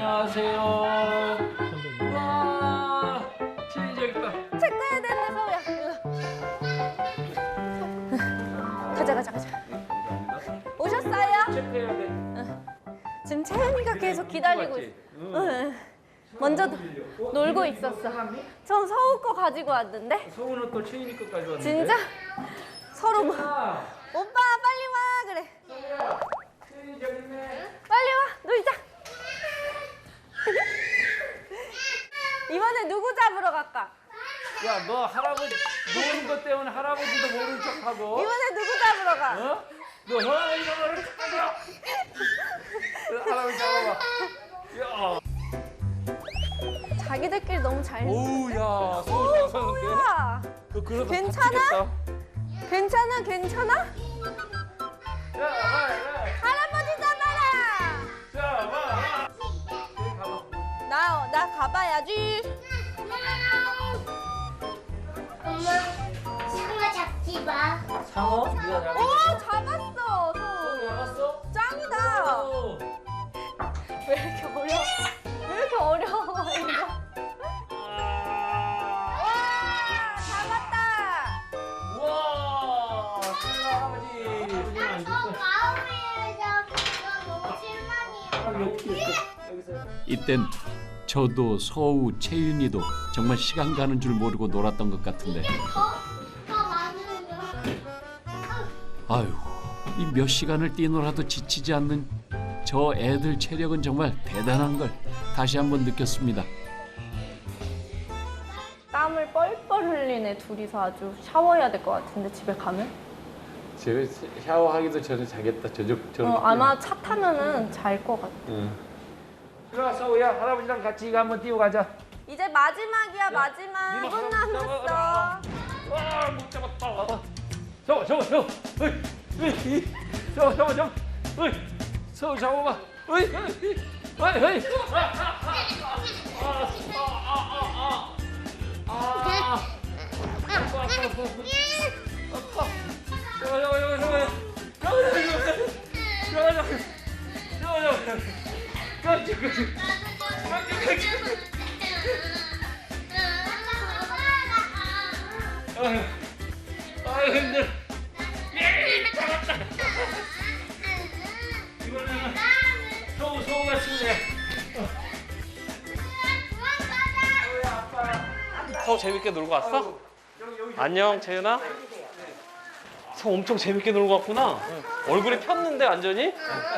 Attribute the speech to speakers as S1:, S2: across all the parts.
S1: 안녕하세요. 와, 진이 저기 있다.
S2: 체크해야 되는데 서우야. 가자. 오셨어요?
S1: 체크해야 돼.
S2: 지금 채은이가 계속 기다리고 있어. 응. 먼저 놀고 있었어. 전 서우 거 가지고 왔는데.
S1: 서우는 또 채인이 것까지 왔는데.
S2: 진짜? 서로 뭐.
S1: 아,
S2: 오빠 빨리 와 그래.
S1: 서우야, 채인이 저기 있네.
S2: 빨리 와 놀자. 이번에 누구 잡으러 갈까?
S1: 야, 너 할아버지 노는 것 때문에 할아버지도 모른 척하고.
S2: 이번에 누구 잡으러 가?
S1: 어? 너 할아버지가 모른 척하냐? 할아버지 잡아봐. 야,
S2: 자기들끼리 너무 잘.
S1: 오우, 야, 서우 잘 사는데.
S2: 서우야.
S1: 너 그러다
S2: 괜찮아?
S1: 다치겠다.
S2: 괜찮아?
S1: 야, 와.
S2: 할아버지 잡아라.
S1: 자, 와. 저기 가봐.
S2: 나 가봐야지.
S3: 엄마, 상어 잡지 마.
S1: 상어? 네가 잡았어?
S2: 오 잡았어 서우.
S1: 잡았어?
S2: 짱이다.
S1: 오.
S2: 왜 이렇게 어려워? 왜 이렇게 어려워 이거? 와 잡았다.
S1: 우와, 상어 할아버지.
S3: 저 가을에 잡기가 너무 실망이야.
S4: 이땐 저도 서우, 채윤이도 정말 시간 가는 줄 모르고 놀았던 것 같은데
S3: 더 많으면.
S4: 아유, 이 몇 시간을 뛰놀아도 지치지 않는 저 애들 체력은 정말 대단한 걸 다시 한번 느꼈습니다.
S2: 땀을 뻘뻘 흘리네 둘이서 아주 샤워해야 될 것 같은데 집에 가면?
S1: 집에 샤워하기도 전에 자겠다.
S2: 아마 차 타면은 잘 것 같아.
S1: 일어나, 서우야. 할아버지랑 같이 이거 한번 뛰고 가자.
S2: 이제 마지막이야 마지막. 2분 남았어.
S1: 와, 못 잡았다. 서우. 어이. 서우. 어이. 서우 잡아봐. 어이. 힘들어. 잡았다. 이거는 서우가 쓰네.
S5: 서우 재밌게 놀고 왔어? 안녕 채윤아. 서우 엄청 재밌게 놀고 왔구나. 얼굴이 폈는데 완전히?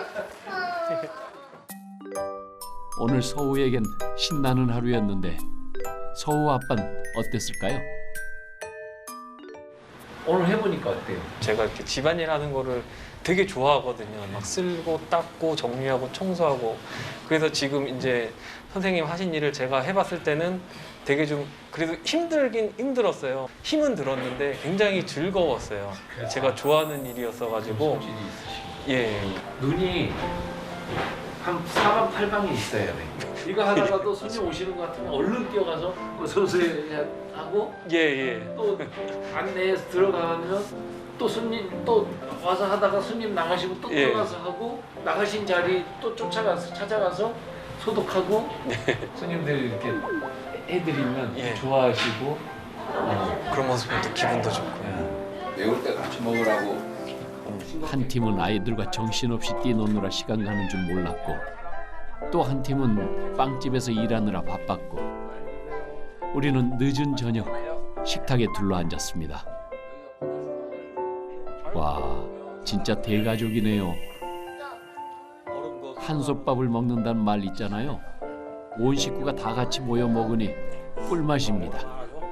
S4: 오늘 서우에겐 신나는 하루였는데 서우 아빠는 어땠을까요?
S1: 오늘 해보니까 어때요?
S5: 제가 이렇게 집안일 하는 거를 되게 좋아하거든요. 막 쓸고 닦고 정리하고 청소하고. 그래서 지금 이제 선생님 하신 일을 제가 해봤을 때는 되게 좀 그래도 힘들긴 힘들었어요. 힘은 들었는데 굉장히 즐거웠어요. 제가 좋아하는 일이었어가지고. 예.
S1: 눈이 한 사방팔방에 있어야 돼. 이거 하다가도 손님 오시는 것 같으면 얼른 뛰어가서 어서오세요 하고
S5: 예.
S1: 또 안내에서 들어가면 또 손님 또 와서 하다가 손님 나가시고 또
S5: 예.
S1: 들어가서 하고 나가신 자리 또 찾아가서 소독하고 손님들 이렇게 해드리면
S5: 예.
S1: 좋아하시고
S5: 그런 모습 보면 또 기분도 좋고요.
S6: 매울 때 같이 먹으라고.
S4: 한 팀은 아이들과 정신없이 뛰노느라 시간 가는 줄 몰랐고 또 한 팀은 빵집에서 일하느라 바빴고 우리는 늦은 저녁 식탁에 둘러앉았습니다. 와, 진짜 대가족이네요. 한솥밥을 먹는다는 말 있잖아요. 온 식구가 다 같이 모여 먹으니 꿀맛입니다.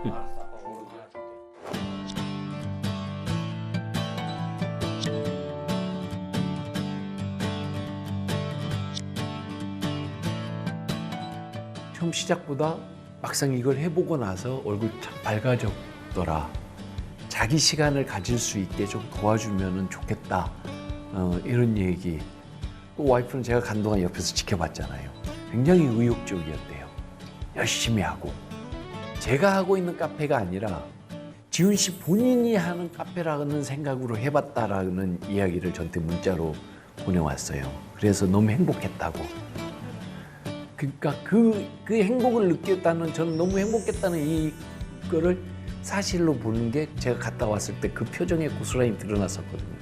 S7: 처음 시작보다 막상 이걸 해보고 나서 얼굴 참 밝아졌더라. 자기 시간을 가질 수 있게 좀 도와주면 좋겠다. 이런 얘기. 또 와이프는 제가 간동안 옆에서 지켜봤잖아요. 굉장히 의욕적이었대요. 열심히 하고. 제가 하고 있는 카페가 아니라 지훈 씨 본인이 하는 카페라는 생각으로 해봤다라는 이야기를 저한테 문자로 보내왔어요. 그래서 너무 행복했다고. 그러니까 그 행복을 느꼈다는, 저는 너무 행복했다는 이거를 사실로 보는 게 제가 갔다 왔을 때 그 표정에 고스란히 드러났었거든요.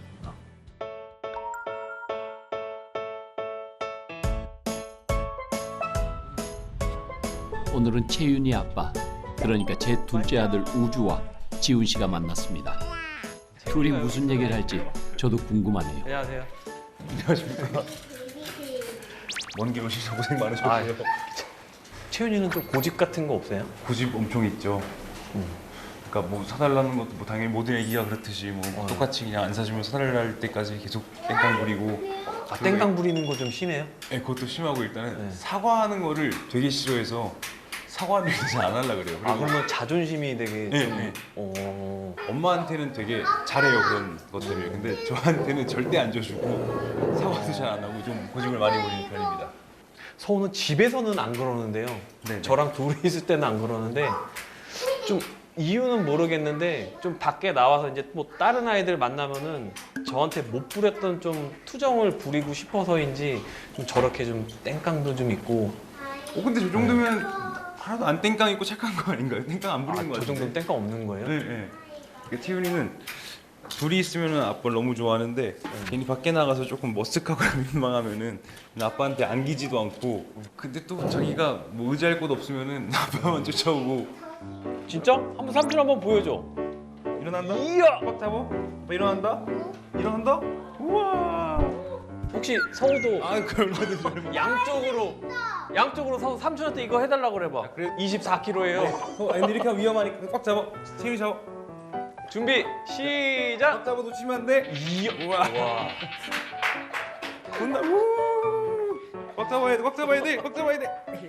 S4: 오늘은 채윤이 아빠, 그러니까 제 둘째 아들 우주와 지훈 씨가 만났습니다. 둘이 무슨 얘기를 할지 저도 궁금하네요.
S5: 안녕하세요.
S6: 안녕하십니까. 먼 길 오셔서 고생 많으셨고요.
S5: 채윤이는 좀 고집 같은 거 없어요?
S6: 고집 엄청 있죠. 그러니까 뭐 사달라는 것도 뭐 당연히 모든 애기가 그렇듯이 뭐 똑같이 그냥 안 사주면 사달랄 때까지 계속 땡깡 부리고.
S5: 아, 땡깡 부리는 거 좀 심해요?
S6: 네, 그것도 심하고 일단은
S5: 네.
S6: 사과하는 거를 되게 싫어해서 사과는 잘 안 하려고 그래요.
S5: 아,
S6: 그리고
S5: 그러면 자존심이 되게
S6: 네,
S5: 좀...
S6: 네.
S5: 어...
S6: 엄마한테는 되게 잘해요, 그런 것 때문에. 근데 저한테는 절대 안 줘주고 사과도 잘 안 하고 좀 고집을 많이 부리는 편입니다.
S5: 서우는 집에서는 안 그러는데요.
S6: 네네.
S5: 저랑 둘이 있을 때는 안 그러는데 좀 이유는 모르겠는데 좀 밖에 나와서 이제 뭐 다른 아이들 만나면은 저한테 못 부렸던 좀 투정을 부리고 싶어서인지 좀 저렇게 좀 땡깡도 좀 있고.
S6: 근데 저 정도면 하나도 안 땡깡 있고 착한 거 아닌가요? 땡깡 안 부리는 거
S5: 저
S6: 같은데.
S5: 정도는 땡깡 없는 거예요?
S6: 네, 네. 그러니까 티윤이는 둘이 있으면 아빠를 너무 좋아하는데 괜히 밖에 나가서 조금 머쓱하고 민망하면은 아빠한테 안기지도 않고, 근데 또 자기가 뭐 의지할 곳 없으면은 아빠만 쫓아오고.
S5: 진짜? 한번 삼촌 한번 보여줘.
S6: 일어난다?
S5: 이야!
S6: 꽉 잡아? 아빠 일어난다? 일어난다? 우와.
S5: 혹시 서우도
S6: 아, 그 얼마든지 얼마.
S5: 양쪽으로 서우 삼촌한테 이거 해달라고 그래봐.
S6: 그래?
S5: 24kg예요.
S6: 근데 이렇게 하면 위험하니까 꽉 잡아. 체리 잡아.
S5: 준비 시작.
S6: 꽉 잡아 놓치면 안 돼.
S5: 이야.
S6: 우와.
S5: 와.
S6: 온다. 우. 꽉 잡아야 돼. 꽉 잡아야 돼. 꽉 잡아야 돼.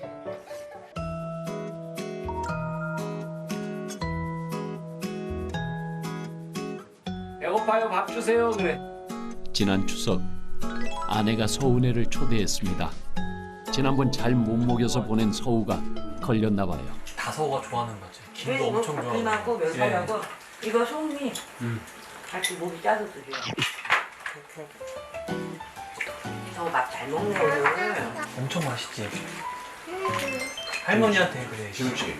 S1: 배고파요, 밥 주세요. 그래.
S4: 지난 추석 아내가 서운애를 초대했습니다. 지난번 잘 못 먹여서 보낸 서우가 걸렸나 봐요.
S5: 다 서우가 좋아하는 거지. 김도
S8: 뭐
S5: 엄청 좋아하고.
S8: 이만고 멸치하고 이거 송이 같이 목이 짜서 드려. 저밥 잘 먹네 오늘.
S5: 엄청 맛있지. 할머니한테 그래.
S1: 지훈 씨.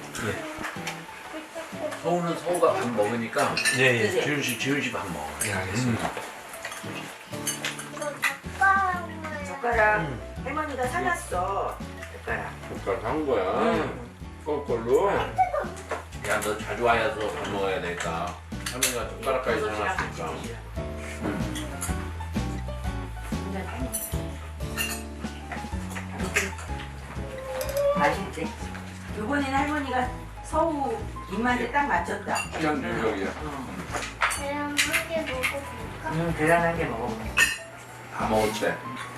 S1: 서우는 서우가 밥 먹으니까
S5: 예. 예.
S1: 지훈 씨 밥 먹어.
S5: 예, 알겠습니다.
S8: 젓가락 할머니가 사놨어. 젓가락.
S1: 젓가락 한 거야. 거꾸로. 야, 너 자주 와야서 밥 먹어야 되니까. 할머니가 젓가락까지 사놨으니까.
S8: 맛있지? 이번엔 할머니가 서우 입맛에 딱 맞췄다.
S1: 그냥 능력이야.
S3: 그럼 한개 먹어볼까?
S8: 대단하게 먹어.
S1: 다 먹을 때.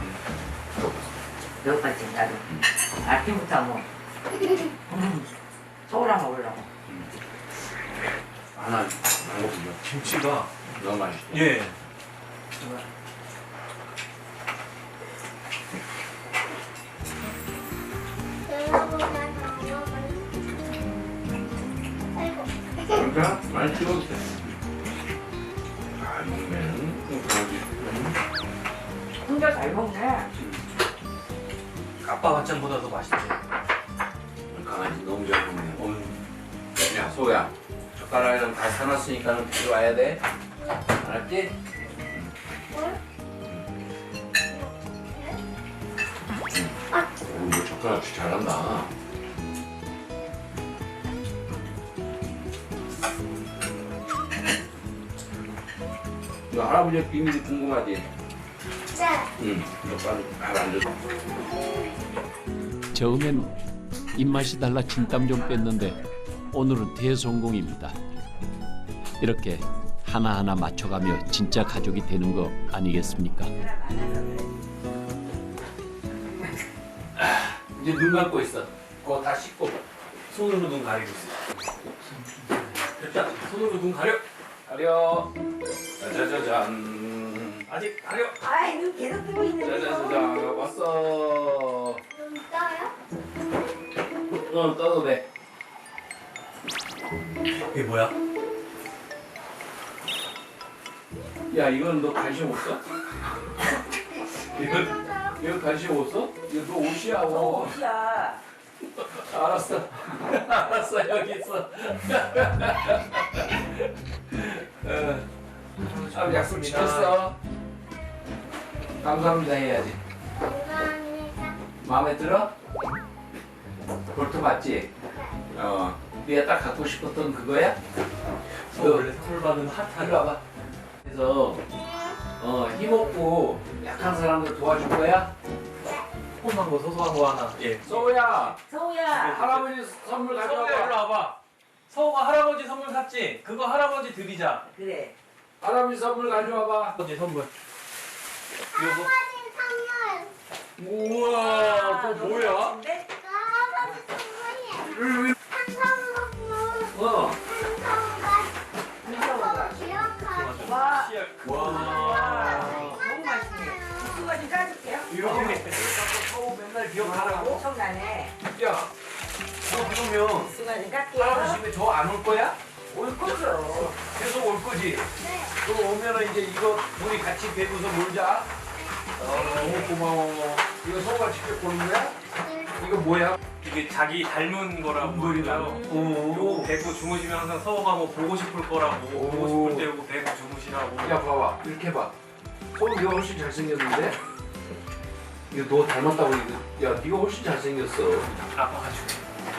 S8: 배고팠지 나도. 아침부터 뭐. 서우랑 먹으려고.
S1: 하나 먹으면
S5: 김치가
S1: 너무 맛있어.
S5: 예.
S3: 배고프면 안 먹을래? 아이고.
S1: 그러니까 많이 찍어도 돼. 잘 먹으면 강아지.
S8: 혼자 잘 먹네.
S5: 아빠 반찬보다도 맛있지.
S1: 강아지 너무 잘 먹네. 야, 소야. 젓가락이랑 다 사놨으니까 데려와야 돼. 알았지? 너 젓가락 잘한다. 너 할아버지의 비밀이 궁금하지?
S3: 네.
S1: 응. 너 빨리 안 줘.
S4: 처음엔 입맛이 달라 진땀 좀 뺐는데 오늘은 대성공입니다. 이렇게 하나하나 맞춰가며 진짜 가족이 되는 거 아니겠습니까?
S1: 이제 눈 감고 있어. 그거 다 씻고.
S5: 손으로 눈 가리고 있어. 됐다. 손으로 눈 가려.
S1: 가려. 짜자자잔.
S5: 아직 가려.
S8: 아이 눈 계속 뜨고 있는데.
S1: 짜자자잔. 왔어.
S3: 눈 떠요?
S1: 떠도 돼.
S5: 이게 뭐야?
S1: 야, 이건 너 관심 없어? 이건 이거 간식 없어? 이거 너 옷이야.
S8: 옷이야.
S1: 알았어. 알았어, 여기 있어. 아, 약속 지켰어. 감사합니다 해야지.
S3: 감사합니다.
S1: 마음에 들어? 볼트 맞지? 네가 딱 갖고 싶었던 그거야?
S5: 원래 선물 받은 핫한
S1: 이리 와봐. 그래서 힘없고 약한 사람들 도와줄 거야?
S5: 조그만 거 소소한 거 하나. 예.
S1: 서우야,
S8: 서우야.
S1: 할아버지 선물
S5: 서우야 일로
S1: 가져와봐.
S5: 와봐. 서우가 할아버지 선물 샀지? 그거 할아버지 드리자.
S8: 그래.
S1: 할아버지 선물 가져와봐.
S5: 할아버지 선물.
S3: 할아버지 선물.
S1: 우와, 또 뭐야?
S8: 근데
S3: 할아버지 선물이야. 한성먹고
S8: 김서우가.
S3: 기억하고.
S8: 와.
S1: 와.
S8: 너무 맛있네. 국수가 좀 까줄게요.
S1: 이렇게 서우 맨날 기억하라고?
S8: 엄청나네.
S1: 야, 너 그러면
S8: 국수가 좀 깎게요.
S1: 할아버지 집에 저 안 올 거야?
S8: 올 거죠.
S1: 계속 올 거지? 또 오면은 이제 이거 우리 같이 배구서 놀자. 너무 고마워. 이거 서우가 직접 보는 거야? 이거 뭐야?
S5: 이게 자기 닮은 거라고
S1: 물이라고?
S5: 그래요. 요거 배구 주무시면 항상 서우가 뭐 보고 싶을 거라고 보고 싶을 때 요거 배구 주무시라고.
S1: 야, 봐봐. 이렇게 봐. 서우 네가 훨씬 잘생겼는데? 이거 너 닮았다고 이거. 야, 네가 훨씬 잘생겼어.
S5: 아빠가 줄게.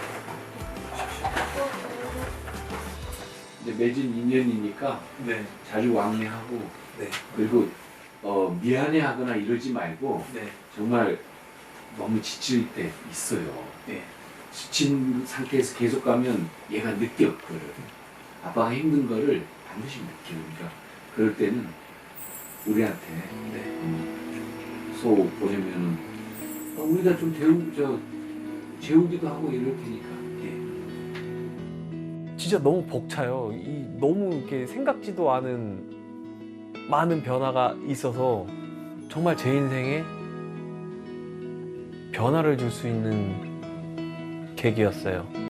S7: 이제 맺은 인연이니까
S5: 네.
S7: 자주 왕래하고
S5: 네.
S7: 그리고 미안해하거나 이러지 말고
S5: 네.
S7: 정말 너무 지칠 때 있어요.
S5: 네.
S7: 지친 상태에서 계속 가면 얘가 느껴 그거를. 아빠가 힘든 거를 반드시 느껴. 그러니까 그럴 때는 우리한테 소 보내면은 우리가 좀 재우기도 하고 이럴 테니까.
S9: 진짜 너무 벅차요. 너무 이렇게 생각지도 않은 많은 변화가 있어서 정말 제 인생에 변화를 줄 수 있는 계기였어요.